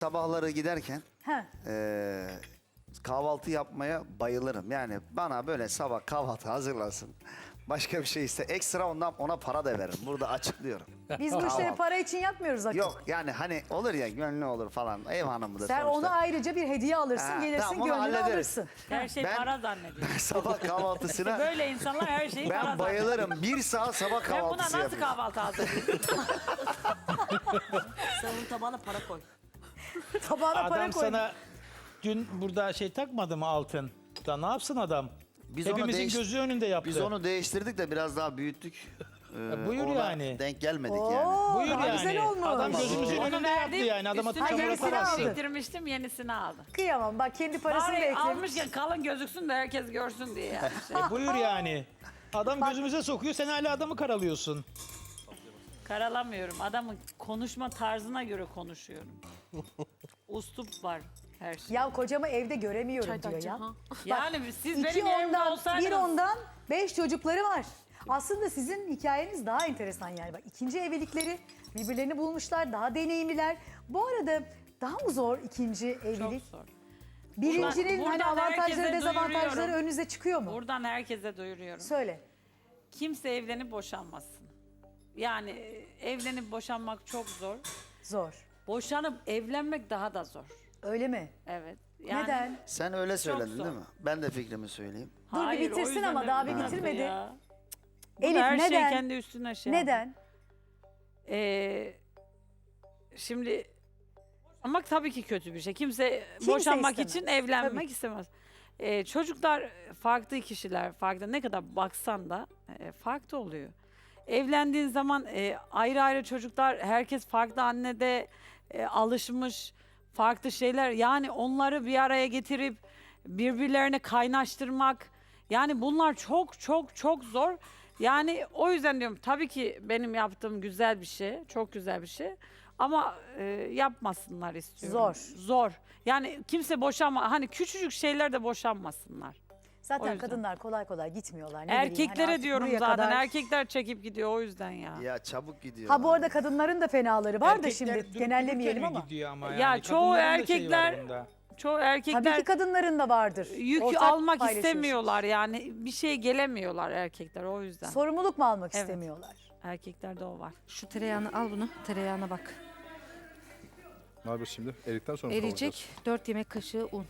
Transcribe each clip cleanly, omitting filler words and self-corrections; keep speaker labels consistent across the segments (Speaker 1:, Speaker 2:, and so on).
Speaker 1: Sabahları giderken
Speaker 2: Ha.
Speaker 1: kahvaltı yapmaya bayılırım. Yani bana böyle sabah kahvaltı hazırlasın. Başka bir şey iste. Ekstra ondan ona para da veririm. Burada açıklıyorum.
Speaker 2: Biz bu işleri
Speaker 1: Kahvaltı.
Speaker 2: para için yapmıyoruz Akın.
Speaker 1: Yok yani hani olur ya gönlü olur falan. Ev hanımıdır
Speaker 2: Sen
Speaker 1: sonuçta.
Speaker 2: ona ayrıca bir hediye alırsın,
Speaker 1: Ha,
Speaker 2: gelirsin
Speaker 1: tamam, onu
Speaker 2: gönlünü
Speaker 1: hallederiz.
Speaker 2: alırsın.
Speaker 3: Her şey
Speaker 1: Ben-
Speaker 3: para zannediyor.
Speaker 1: Sabah kahvaltısına
Speaker 3: Böyle insanlar her şeyi para
Speaker 1: ben
Speaker 3: zannediyor.
Speaker 1: bayılırım. Bir saat sabah
Speaker 3: Ben buna
Speaker 1: kahvaltısı
Speaker 3: nasıl
Speaker 1: yapıyorum.
Speaker 3: kahvaltı hazırlayayım?
Speaker 4: Sen onun tabağına para koy.
Speaker 2: Tabağına para
Speaker 5: Adam
Speaker 2: koy.
Speaker 5: sana dün burada şey takmadı mı altın? Da ne yapsın adam?
Speaker 1: Biz onu
Speaker 5: Hepimizin
Speaker 1: değiş-
Speaker 5: gözü önünde yaptı.
Speaker 1: Biz onu değiştirdik de biraz daha büyüttük.
Speaker 5: buyur
Speaker 1: ona
Speaker 5: yani.
Speaker 1: denk gelmedik
Speaker 2: Oo,
Speaker 1: yani.
Speaker 5: Buyur
Speaker 2: daha
Speaker 5: yani.
Speaker 2: güzel olmuş.
Speaker 5: Adam gözümüzün
Speaker 3: Onu
Speaker 5: önünde yaptı
Speaker 3: verdim,
Speaker 5: yani. Adama
Speaker 3: üstüne
Speaker 5: çamur
Speaker 2: yenisini
Speaker 5: atamazsın.
Speaker 2: aldı.
Speaker 3: biriktirmiştim, yenisini aldım.
Speaker 2: Kıyamam bak kendi parasını
Speaker 3: Bari
Speaker 2: beklemiş.
Speaker 3: almışken kalın gözüksün de herkes görsün diye. Yani.
Speaker 5: Buyur yani. Adam gözümüze sokuyor, sen hala adamı karalıyorsun.
Speaker 3: Karalamıyorum. Adamın konuşma tarzına göre konuşuyorum. Ustup var her şey.
Speaker 2: Ya kocamı evde göremiyorum diyor ya.
Speaker 3: Yani siz
Speaker 2: İki
Speaker 3: benim yerimde
Speaker 2: ondan,
Speaker 3: olsaydınız...
Speaker 2: bir ondan 5 çocukları var. Aslında sizin hikayeniz daha enteresan yani. Bak ikinci evlilikleri birbirlerini bulmuşlar, daha deneyimliler. Bu arada daha mı zor ikinci
Speaker 3: Çok
Speaker 2: evlilik?
Speaker 3: zor.
Speaker 2: Birincinin hani
Speaker 3: buradan
Speaker 2: avantajları,
Speaker 3: herkese
Speaker 2: dezavantajları
Speaker 3: duyuruyorum.
Speaker 2: önünüze çıkıyor mu?
Speaker 3: Buradan herkese duyuruyorum.
Speaker 2: Söyle.
Speaker 3: Kimse evlenip boşanmasın. Yani evlenip boşanmak çok zor.
Speaker 2: Zor.
Speaker 3: Boşanıp evlenmek daha da zor.
Speaker 2: Öyle mi?
Speaker 3: Evet. Yani,
Speaker 2: Neden?
Speaker 1: Sen öyle söyledin
Speaker 3: zor.
Speaker 1: değil mi? Ben de fikrimi söyleyeyim.
Speaker 2: Dur bir
Speaker 3: Hayır, o
Speaker 2: bitirsin
Speaker 3: yüzden
Speaker 2: ama
Speaker 3: de-
Speaker 2: daha bir
Speaker 3: Ha.
Speaker 2: bitirmedi.
Speaker 3: Ya. Bu da
Speaker 2: Elif
Speaker 3: her şey
Speaker 2: neden?
Speaker 3: kendi üstüne şey.
Speaker 2: Neden?
Speaker 3: Şimdi ama tabii ki kötü bir şey. Kimse
Speaker 2: Kimse
Speaker 3: boşanmak
Speaker 2: istemez.
Speaker 3: için evlenmek
Speaker 2: Tabii.
Speaker 3: istemez. Çocuklar farklı kişiler, farklı ne kadar baksan da farklı oluyor. Evlendiğin zaman ayrı ayrı çocuklar, herkes farklı annede alışmış, farklı şeyler. Yani onları bir araya getirip birbirlerine kaynaştırmak, yani bunlar çok çok çok zor. Yani o yüzden diyorum tabii ki benim yaptığım güzel bir şey, çok güzel bir şey. Ama yapmasınlar istiyorum.
Speaker 2: Zor.
Speaker 3: Zor. Yani kimse boşanma, hani küçücük şeyler de boşanmasınlar. O
Speaker 2: Zaten
Speaker 3: yüzden.
Speaker 2: kadınlar kolay kolay gitmiyorlar. Ne bileyim, hani
Speaker 3: Erkeklere
Speaker 2: artık
Speaker 3: diyorum
Speaker 2: buraya
Speaker 3: zaten.
Speaker 2: kadar-
Speaker 3: Erkekler çekip gidiyor o yüzden ya.
Speaker 1: Ya çabuk gidiyor.
Speaker 2: Ha bu arada kadınların da fenaları var da
Speaker 5: Erkekler
Speaker 2: şimdi
Speaker 5: durup
Speaker 2: genellemeyelim
Speaker 5: dururken mi
Speaker 2: ama.
Speaker 5: gidiyor ama
Speaker 3: Ya
Speaker 5: yani.
Speaker 3: çoğu
Speaker 5: Kadınların da şeyi var
Speaker 3: erkekler-
Speaker 5: bunda.
Speaker 3: Çoğu
Speaker 2: Tabii
Speaker 3: erkekler
Speaker 2: ki kadınların da vardır.
Speaker 3: yük
Speaker 2: Ortak
Speaker 3: almak
Speaker 2: paylaşıyorsun.
Speaker 3: istemiyorlar yani. Bir şeye gelemiyorlar erkekler o yüzden.
Speaker 2: Sorumluluk mu almak
Speaker 3: Evet.
Speaker 2: istemiyorlar?
Speaker 3: Erkeklerde o var.
Speaker 6: Şu tereyağını al bunu. Tereyağına bak.
Speaker 7: Ne yapıyoruz şimdi? Erikten sonra mı
Speaker 6: Eriyecek. 4 yemek kaşığı un.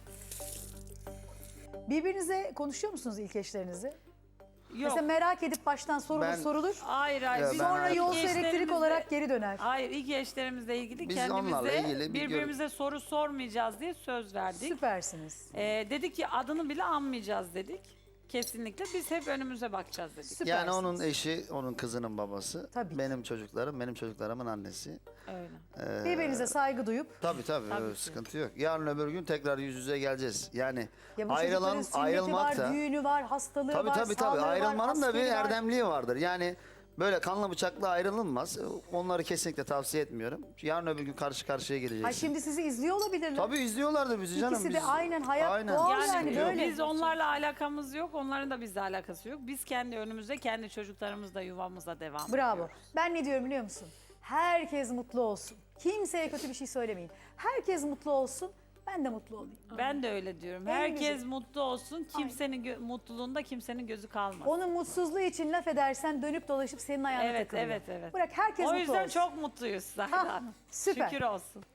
Speaker 2: Birbirinize konuşuyor musunuz ilk eşlerinizi?
Speaker 3: Yok.
Speaker 2: Mesela merak edip baştan sorulur
Speaker 1: Ben-
Speaker 2: sorulur.
Speaker 3: Hayır hayır.
Speaker 1: Ya
Speaker 3: Biz
Speaker 1: ben-
Speaker 2: Sonra
Speaker 1: hayır.
Speaker 2: yolcu
Speaker 3: İlk
Speaker 2: elektrik
Speaker 3: eşlerimizle-
Speaker 2: olarak geri döner.
Speaker 3: Hayır ilk eşlerimizle ilgili
Speaker 1: Biz onlarla
Speaker 3: kendimize
Speaker 1: ilgili bir
Speaker 3: birbirimize soru sormayacağız diye söz verdik.
Speaker 2: Süpersiniz.
Speaker 3: Dedik ki adını bile anmayacağız dedik. Kesinlikle biz hep önümüze bakacağız dedik.
Speaker 2: Süpersiniz.
Speaker 1: Yani onun eşi, onun kızının babası.
Speaker 2: Tabii ki.
Speaker 1: Benim çocuklarım, benim çocuklarımın annesi.
Speaker 3: Öyle.
Speaker 2: Birbirinize saygı duyup
Speaker 1: Tabii
Speaker 3: Tabii ki.
Speaker 1: sıkıntı yok. Yarın öbür gün tekrar yüz yüze geleceğiz. Yani
Speaker 2: ya bu
Speaker 1: ayrılan,
Speaker 2: çocukların sünneti
Speaker 1: ayrılmak da...
Speaker 2: var, düğünü var, hastalığı
Speaker 1: Tabii
Speaker 2: var,
Speaker 1: tabii
Speaker 2: sağlığı var,
Speaker 1: ayrılmanın da bir
Speaker 2: askeri var.
Speaker 1: erdemliği vardır. Yani böyle kanla bıçakla ayrılınmaz. Onları kesinlikle tavsiye etmiyorum. Yarın öbür gün karşı karşıya geleceğiz.
Speaker 2: Ay şimdi sizi izliyor olabilirler.
Speaker 1: Tabii izliyorlardır bizi canım.
Speaker 2: İkisi de
Speaker 1: Biz-
Speaker 2: aynen hayat doğal
Speaker 3: Yani,
Speaker 2: yani böyle.
Speaker 3: biz onlarla alakamız yok, onların da bizle alakası yok. Biz kendi önümüze, kendi çocuklarımızla, yuvamıza devam
Speaker 2: Bravo.
Speaker 3: ediyoruz.
Speaker 2: Ben ne diyorum biliyor musun? Herkes mutlu olsun. Kimseye kötü bir şey söylemeyin. Herkes mutlu olsun. Ben de mutlu olayım.
Speaker 3: Ben de öyle diyorum.
Speaker 2: En
Speaker 3: Herkes
Speaker 2: güzel.
Speaker 3: mutlu olsun, kimsenin mutluluğunda kimsenin gözü kalmasın.
Speaker 2: Onun mutsuzluğu için laf edersen dönüp dolaşıp senin ayağına
Speaker 3: Evet,
Speaker 2: takılıyor.
Speaker 3: evet, evet.
Speaker 2: Bırak herkes
Speaker 3: O
Speaker 2: mutlu
Speaker 3: yüzden
Speaker 2: olsun.
Speaker 3: çok mutluyuz Zahra
Speaker 2: Ha,
Speaker 3: Hanım.
Speaker 2: süper.
Speaker 3: Şükür olsun.